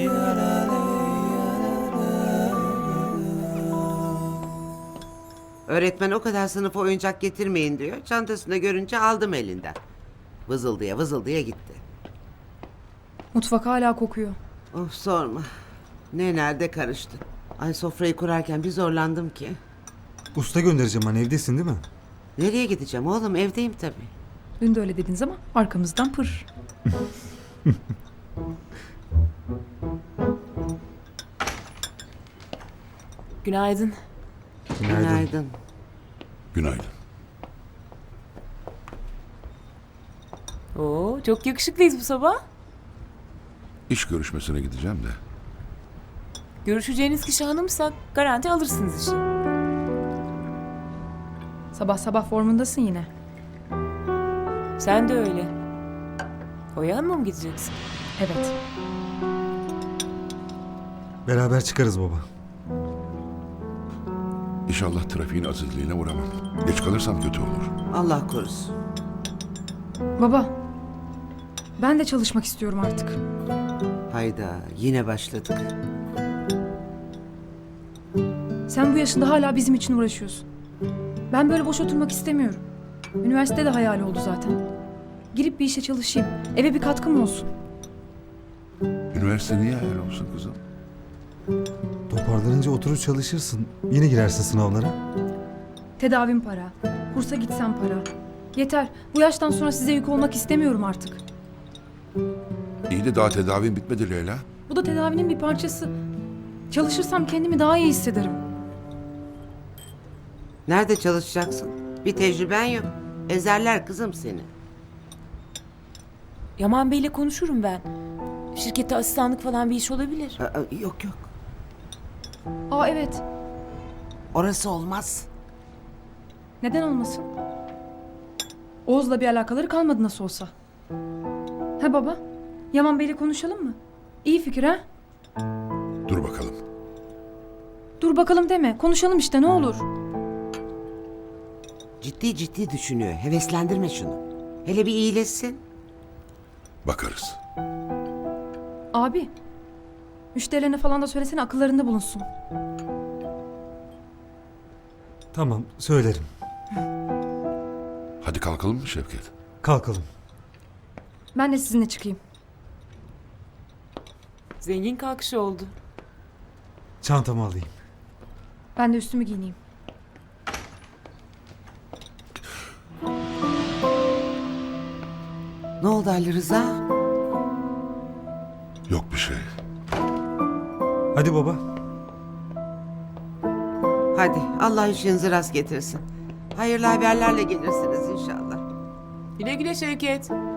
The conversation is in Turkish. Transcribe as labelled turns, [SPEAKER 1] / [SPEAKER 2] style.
[SPEAKER 1] Öğretmen o kadar sınıfa oyuncak getirmeyin diyor. Çantasında görünce aldım elinden. Vızıldıya vızıldıya gitti.
[SPEAKER 2] Mutfak hala kokuyor.
[SPEAKER 1] Of sorma. Ne nerede karıştı. Ay sofrayı kurarken bir zorlandım ki.
[SPEAKER 3] Usta göndereceğim hani, evdesin değil mi?
[SPEAKER 1] Nereye gideceğim oğlum, evdeyim tabii.
[SPEAKER 2] Dün de öyle dediniz ama arkamızdan pır.
[SPEAKER 4] Günaydın.
[SPEAKER 1] Günaydın.
[SPEAKER 5] Günaydın.
[SPEAKER 4] Oo, çok yakışıklıyız bu sabah.
[SPEAKER 5] İş görüşmesine gideceğim de.
[SPEAKER 4] Görüşeceğiniz kişi hanımsa garanti alırsınız işi.
[SPEAKER 2] Sabah sabah formundasın yine.
[SPEAKER 4] Sen de öyle. Oya Hanım'a mı gideceksin?
[SPEAKER 2] Evet.
[SPEAKER 3] Beraber çıkarız baba.
[SPEAKER 5] İnşallah trafiğin azizliğine uğramam. Geç kalırsam kötü olur.
[SPEAKER 1] Allah korusun.
[SPEAKER 2] Baba. Ben de çalışmak istiyorum artık.
[SPEAKER 1] Hayda yine başladık.
[SPEAKER 2] Sen bu yaşında hala bizim için uğraşıyorsun. Ben böyle boş oturmak istemiyorum. Üniversite de hayal oldu zaten. Girip bir işe çalışayım. Eve bir katkım olsun.
[SPEAKER 5] Üniversite niye hayal olsun kızım?
[SPEAKER 3] Toparlanınca oturur çalışırsın. Yine girersin sınavlara.
[SPEAKER 2] Tedavim para. Kursa gitsem para. Yeter. Bu yaştan sonra size yük olmak istemiyorum artık.
[SPEAKER 5] İyi de daha tedavin bitmedi Leyla.
[SPEAKER 2] Bu da tedavinin bir parçası. Çalışırsam kendimi daha iyi hissederim.
[SPEAKER 1] Nerede çalışacaksın? Bir tecrüben yok. Ezerler kızım seni.
[SPEAKER 4] Yaman Bey'le konuşurum ben. Şirkette asistanlık falan bir iş olabilir.
[SPEAKER 1] Yok yok.
[SPEAKER 2] Aa evet.
[SPEAKER 1] Orası olmaz.
[SPEAKER 2] Neden olmasın? Oğuz'la bir alakaları kalmadı nasıl olsa. Ha baba? Yaman Bey'le konuşalım mı? İyi fikir ha?
[SPEAKER 5] Dur bakalım.
[SPEAKER 2] Dur bakalım deme. Konuşalım işte ne olur.
[SPEAKER 1] Ciddi ciddi düşünüyor. Heveslendirme şunu. Hele bir iyileşsin.
[SPEAKER 5] Bakarız.
[SPEAKER 2] Abi. Müşterilerine falan da söylesene akıllarında bulunsun.
[SPEAKER 3] Tamam, söylerim.
[SPEAKER 5] Hadi kalkalım mı Şevket?
[SPEAKER 3] Kalkalım.
[SPEAKER 2] Ben de sizinle çıkayım.
[SPEAKER 4] Zengin kalkışı oldu.
[SPEAKER 3] Çantamı alayım.
[SPEAKER 2] Ben de üstümü giyineyim.
[SPEAKER 1] Ne oldu Ali Rıza?
[SPEAKER 5] Yok bir şey.
[SPEAKER 3] Hadi baba.
[SPEAKER 1] Hadi Allah işinizi rast getirsin. Hayırlı haberlerle gelirsiniz inşallah.
[SPEAKER 4] Güle güle Şevket.